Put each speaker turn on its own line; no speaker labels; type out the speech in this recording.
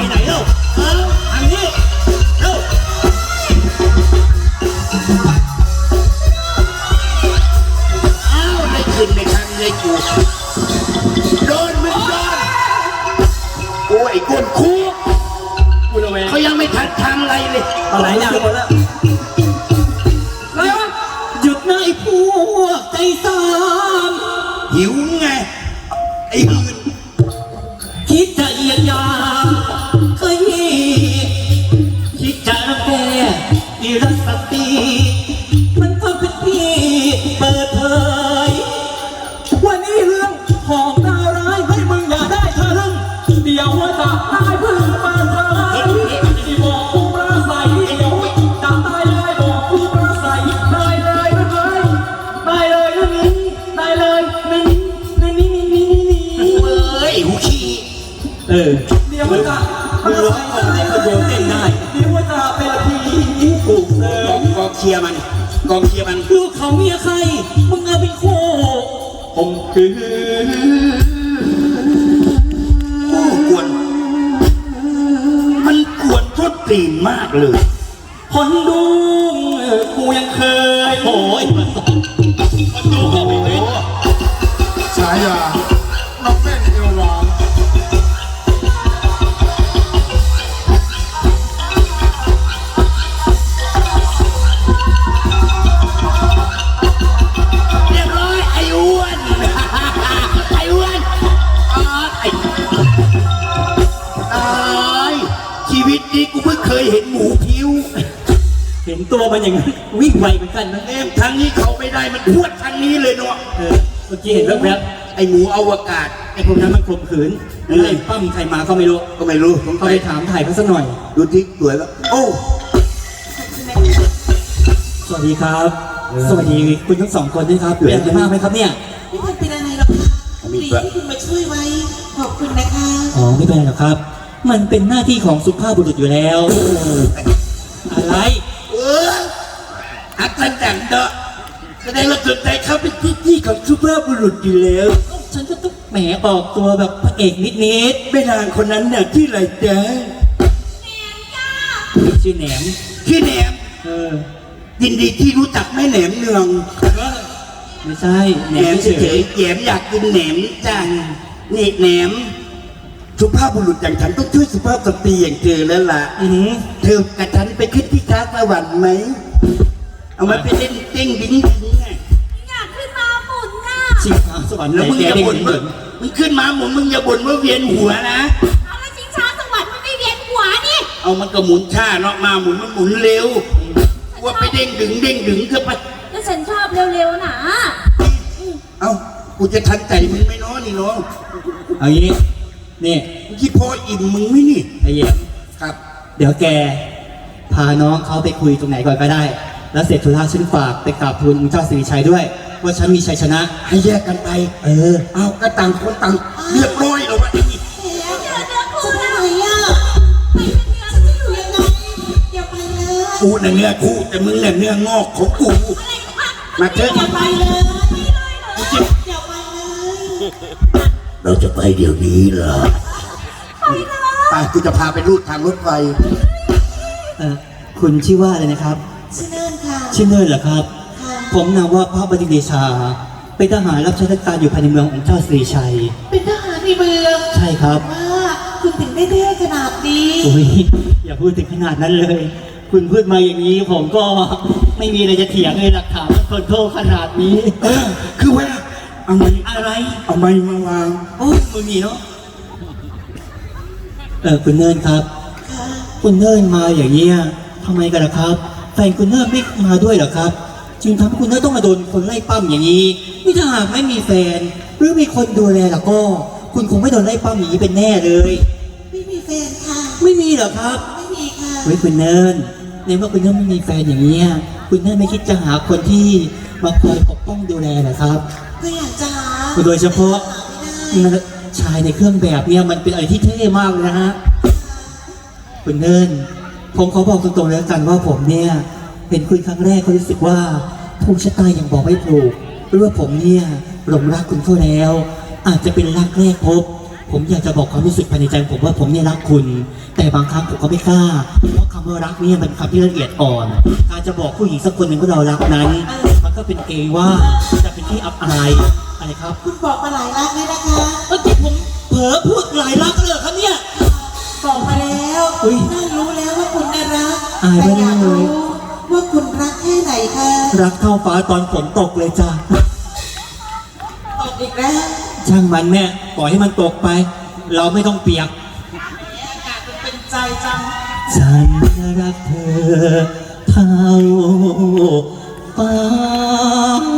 ไหนเล่าอันนี้เล่าอ้าวได้ขึ้นในครั้งเลยกูโดนมึงโดนโอ้ยกวนคู่เขายังไม่ทันทำอะไรเลยอะไรเนี่ยหมดแล้ว
หยุดนะไอ้พวกใจสาม
หิวไงไอ้หื่น
คิดจะเยียดยามเคยคิดจะรังแกอีรักสติมันก็เป็นพี่เปิดเผยวันนี้เรื่องของดาวร้ายให้มึงอย่าได้ทะลึ่งเดี๋ยวว่าจะตายพึ่งเปิดเผยที่บอกกูประใสเดี๋ยวจะตายเลยบอกกูประใสได้เลยนะเฮ้ยได้เลยนะนี่ได้เลยนี่
เอ้ยหูขี้
เดี๋ยวว่าจะมึงร้องอะไรก็โยนเต้นได้เดี๋ยวว่าจะเป็นผีถูก
กองเชียร์มันกองเชียร์มัน
ลูกเขาเมียใครมึงเอาเป็นโคผมคือ
โอ้กวนมันกวนทุดตีนมากเลย
คนดูกูยังเคยโอ้ยคนดูก็ไม่เป็น
ฉายาน้องแม่นเอวหวาน
เรียบร้อยไอ้อ้วนไอ้อ้วนตายชีวิตนี้กูเพิ่งเคยเห็นหมูผิว
เห็นตัวมันอย่างนั้นวิ่งไวเหมือนกันนะ
ทางนี้เขาไม่ได้มันพวดทางนี้เลยเนาะ
เมื่อกี้เห็นแว๊บ
ไอ้หมูอวกาศ
ไอ้พวกนั้นมันข่มขืนไอ้ปั้มใครมาก็ไม่รู้
ผม
เขาไปถามถ่ายเขาสักหน่อย
ดูที่สวยแล้วโอ้
สวัสดีครับสวัสดีคุณทั้งสองคนด้วยครับเป็นอะไรมากไหมครับเนี่ย
ไม่เป็นอะไรหรอกค่ะดีที่คุณมาช่วยไว้ขอบคุณนะคะ
อ๋อไม่เป็นไรหรอกครับมันเป็นหน้าที่ของสุภาพบุรุษอยู่แล้วอะไร
อักษรดังเดาะแสดงว่าสนใจเขาเป็นที่ของสุภาพบุรุษอยู่แล้ว
ฉันก็ต้องแหมออกตัวแบบพระเอกนิด
แม่นางคนนั้นเนี่ยที่ไรจ๊ะ
แหนมจ้า
ชื่อแหนม
ยินดีที่รู้จักแม่แหนมเนือง
ไม่ใช่
แหนมเฉยแหนมอยากกินแหนมจังนี่แหนมสุภาพบุรุษอย่างฉันต้องช่วยสุภาพสตรีอย่างเธอแล้วล่ะเธอกับฉันไปขึ้นที่ท้าสวรรค์ไหมเอามาไปเล่นเต้งดิ้งไง
อยากขึ้นมาหมุนน่ะ
ชิงช้าสวรรค์
แล้วมึงอย่าบ่นมึงขึ้นมาหมุนมึงอย่าบ่นว่าเวียนหัวนะ
เอาแล้วชิงช้าสวรรค์มันไม่เวียนหัวนี่
เอามันก็หมุนช้าเนาะมาหมุนมันหมุนเร็วว่าไปเด้งดึงเธอไป
แล้วฉันชอบเร็วๆนะ
เอ้ากูจะทันใจมึงไม่น้อนี่น้อง
เอางี้นี่
คิดพออิ่มมึงไม่นี่
ไอ้เหี้ย
ครับ
เดี๋ยวแกพาน้องเขาไปคุยตรงไหนก่อนก็ได้แล้วเสร็จธุระฉันฝากไปกราบทูลเจ้าสิริชัยด้วยว่าฉันมีชัยชนะ
ให้แยกกันไปเอาก็ต่างคนต่างเรียบร้อยแล้ววะนี่
จะไปไหนอ่ะไปเป็นเนื้อจะอยู่ยังไงอย่าไปเลย
กูน่ะเนื้อคู่แต่มึงน่ะเนื้องอกของกูมาเถอะ
อย่าไปเลยอย่าไปเลย
เราจะไปเดี๋ยวนี้เหรอไปกูจะพาไปรูดทางรถไฟ
คุณชื่อว่าอะไรนะครับ
ชื่อเนินค่ะ
ชื่อเนินเหรอครับผมนามว่าพระบดินทร์เดชาเป็นทหารรับใช้ราชการอยู่ภายในเมืองของเจ้าสิริชัย
เป็นทหารในเมือง
ใช่ครับ
ว่าคุณถึงได้เท่ขนาดนี้
อย่าพูดถึงขนาดนั้นเลยคุณพูดมาอย่างนี้ผมก็ไม่มีอะไรจะเถียงเลยหลักฐานคนโทษขนาดนี้
คือว่าเอาไม้
อะไร
เอาไม้มาวาง
โอ้มึงมีเนาะคุณเนินครับคุณเนินมาอย่างเงี้ยทำไมกันล่ะครับแฟนคุณเนินไม่มาด้วยเหรอครับจึงทำให้คุณเนินต้องมาโดนคนไล่ปั้มอย่างนี้นี่ถ้าหากไม่มีแฟนหรือมีคนดูแลล่ะก็คุณคงไม่โดนไล่ปั้มอย่างนี้เป็นแน่เลย
ไม่มีแฟนค่ะ
ไม่มีเหรอครับ
ไม่มีค่ะ
เฮ้ยคุณเนินในเมื่อคุณเนินไม่มีแฟนอย่างนี้คุณเนินไม่คิดจะหาคนที่มาคอยปกป้องดูแลเหรอครับ
ก็อยากจะหา
โดยเฉพาะชายในเครื่องแบบเนี่ยมันเป็นอะไรที่เท่มากเลยนะฮะคุณเนินผมขอบอกตรงๆแล้วกันว่าผมเนี่ยเห็นคุณครั้งแรกก็รู้สึกว่าภูมิชะตายังบอกไม่ถูกหรือว่าผมเนี่ยหลงรักคุณเขาแล้วอาจจะเป็นรักแรกพบผมอยากจะบอกความรู้สึกภายในใจผมว่าผมเนี่ยรักคุณแต่แต่บางครั้งผมก็ไม่กล้าเพราะคำว่ารักเนี่ยมันเป็นคำที่ละเอียดอ่อนการจะบอกผู้หญิงสักคนหนึ่งว่าเรารักนั้น มันก็เป็นเกย์ว่าจะเป็นที่อับอายอะไรครับ
คุณบอกมาหลายรักเลยนะคะ
เมื่อกี้ผมเผลอพูดหลายรักเลยเหรอครับเนี่ย
บอกมาแล้ว
อุ๊ย
น่ารู้แล้วว่าคุณน่ารัก
อายไม่
แต่
ได้
อยาก
เลย
รู้ว่าคุณรักแค่ไหนคะ
รักเท่าฟ้าตอนฝนตกเลยจ้ะ
ตอบอีกแล้ว
ช่างมันแม่ปล่อยให้มันตกไป เราไม่ต้องเปียก
อากาศมันเป็นใจจัง
ฉันรักเธอเท่าฟ้า